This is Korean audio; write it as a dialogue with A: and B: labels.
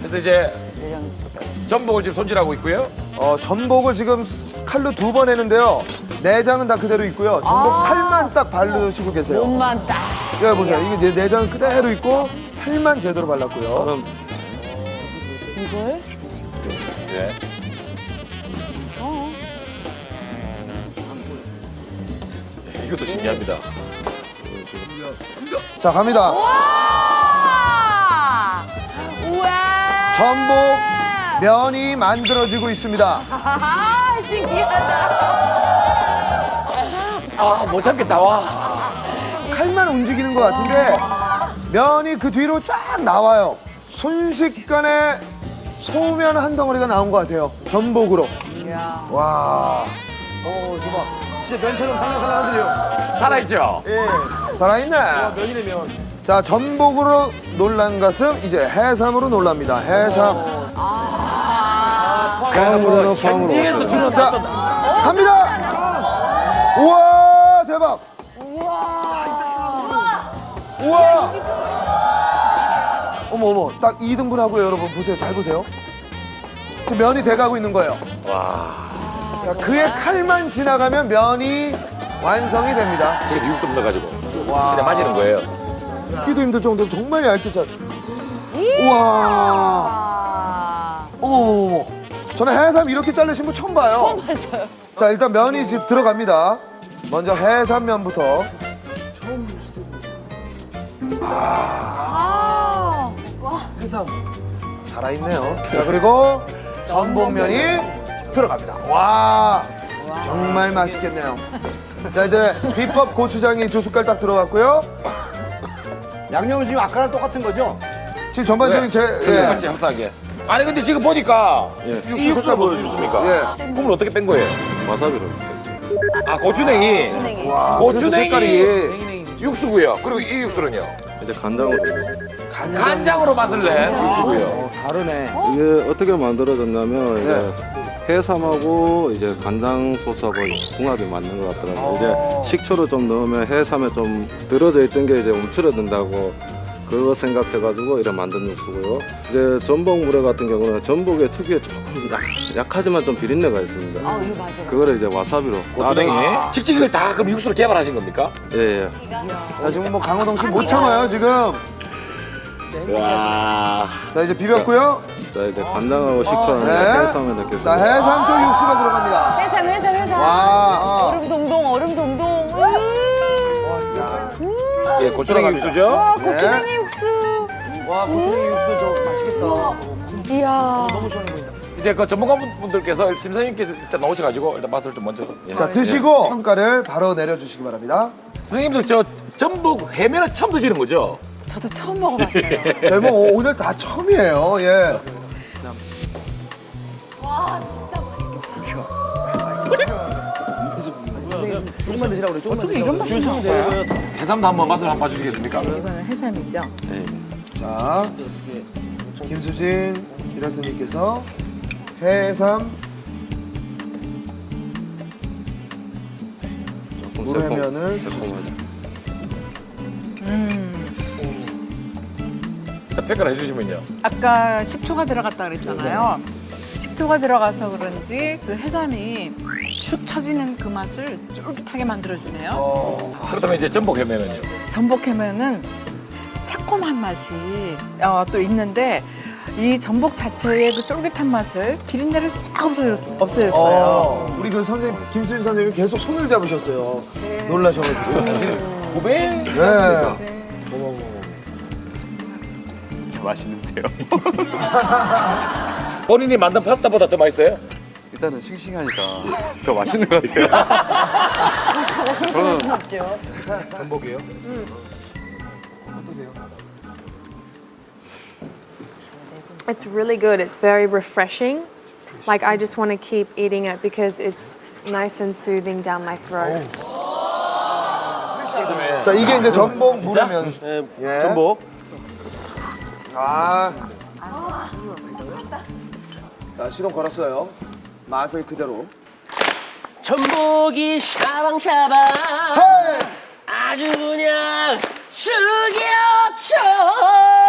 A: 그래서 이제 전복을 지금 손질하고 있고요.
B: 전복을 지금 칼로 2번 했는데요. 내장은 다 그대로 있고요. 전복 살만 딱 바르시고 계세요.
C: 몸만 딱.
B: 예, 보세요. 이게 내장은 그대로 있고 살만 제대로 발랐고요.
C: 이걸?
A: 네. 이것도 신기합니다.
B: 자, 갑니다.
C: 와! 우와!
B: 전복 면이 만들어지고 있습니다.
C: 아, 신기하다.
A: 아, 못 참겠다, 와.
B: 칼만 움직이는 것 같은데 면이 그 뒤로 쫙 나와요. 순식간에 소면 한 덩어리가 나온 것 같아요. 전복으로.
C: 이야.
B: 와,
D: 대박. 진짜 면처럼 살랑살랑하더래요.
A: 살아있죠?
D: 예.
B: 살아있네.
D: 면이네, 면.
B: 자, 전복으로 놀란 것은 이제 해삼으로 놀랍니다. 해삼.
A: 그래도 현지에서 주로
B: 자,
A: 났던
B: 갑니다. 우와, 대박. 우와. 어머, 딱 2등분 하고요, 여러분. 보세요, 잘 보세요. 지금 면이 돼가고 있는 거예요.
A: 와.
B: 자, 그의 칼만 지나가면 면이 완성이 됩니다.
A: 저게 육수 넣어가지고 그냥 마시는 거예요.
B: 뜯기도 힘들 정도로 정말 얇게 잘. 우와.
C: 아.
B: 어머. 저는 해삼 이렇게 자르신 분 처음 봐요.
C: 맞아요.
B: 자, 일단 면이 지금 들어갑니다. 먼저 해삼면부터.
C: 아.
D: 해삼.
B: 살아있네요. 자, 그리고 전복면이 들어갑니다. 와, 정말 맛있겠네요. 자, 이제 비법 고추장이 2숟갈 딱 들어갔고요.
D: 양념은 지금 아까랑 똑같은 거죠?
B: 지금 전반적인
A: 같이 흡사하게. 아니 근데 지금 보니까
B: 육수 색깔 보여주십니까? 예.
A: 국물 어떻게 뺀 거예요?
E: 와사비로 했어요.
A: 아, 고추냉이.
C: 진행이.
B: 와, 그래서
A: 고추냉이.
B: 색깔이
A: 육수고요. 그리고 이 육수는요?
E: 이제 간장으로.
A: 간장으로 맛을 낸 육수고요.
D: 다르네.
E: 이게 어떻게 만들어졌냐면
B: 네.
E: 이제 해삼하고 이제 간장 소스하고 궁합이 맞는 것 같더라고요. 이제 식초를 좀 넣으면 해삼에 좀 들어져 있던 게 이제 움츠러든다고 그거 생각해가지고 이렇게 만든 육수고요. 이제 전복물회 같은 경우는 전복의 특유의 조금 약하지만 좀 비린내가 있습니다.
C: 아, 이거 맞아.
E: 그거를 이제 와사비로.
A: 고추냉이. 직접 이걸 다 그럼 육수로 개발하신 겁니까?
E: 예, 예.
B: 자, 지금 뭐 강호동 씨 못 참아요, 지금.
A: 와.
B: 자, 이제 비볐고요.
E: 자, 이제 간장하고 식초랑
B: 네.
E: 해삼에
B: 자,
E: 넣겠습니다.
B: 해삼 쪽 육수가 들어갑니다.
C: 해삼, 해삼, 해삼.
B: 와,
C: 얼음 동동, 얼음 동동.
A: 예, 고추냉이 육수죠?
C: 와, 고추냉이 육수.
D: 와, 고추냉이 육수 저 맛있겠다.
C: 이야.
D: 너무 시원해 보인다.
A: 이제 그 전문가분들께서 심사님께서 일단 나오셔가지고 일단 맛을 좀 먼저.
B: 자, 드시고 평가를 바로 내려주시기 바랍니다.
A: 선생님들 저 전복 회면을 처음 드시는 거죠?
C: 저도 처음 먹어봤어요.
B: 저희 뭐 오늘 다 처음이에요. 예.
D: 조금만 드시라고 그래, 조금만
C: 이런 맛이 나는 거야?
A: 해삼도 한번 맛을 한번 봐주시겠습니까?
C: 이거는 해삼이죠?
B: 자, 김수진 디렉터님께서 해삼 물회면을 드셨습니다.
A: 일단 평가를 해주시면요.
F: 아까 식초가 들어갔다 그랬잖아요. 식초가 들어가서 그런지 그 해삼이 축 처지는 그 맛을 쫄깃하게 만들어주네요.
A: 그렇다면 이제 전복 회면은요?
F: 전복해면은 새콤한 맛이 또 있는데 이 전복 자체의 그 쫄깃한 맛을 비린내를 싹 없애줬어요.
B: 우리 그 선생님 김수진 선생님이 계속 손을 잡으셨어요. 놀라셔가지고.
A: 고백.
B: 네.
E: 맛있는데요.
A: 본인이 만든 파스타보다 더 맛있어요?
E: 일단은 싱싱하니까 더 맛있는 것 같아요.
C: 하고 신선할 순 없죠.
B: 전복이에요? 어떠세요?
G: It's really good. It's very refreshing. Like I just want to keep eating it because it's nice and soothing down my throat.
B: 자, 이게 이제 전복 물회면.
D: 네,
B: 예.
D: 전복.
B: 아. 자, 시동 걸었어요. 맛을 그대로.
D: 전복이 샤방샤방.
B: 헤이!
D: 아주 그냥 죽여쳐.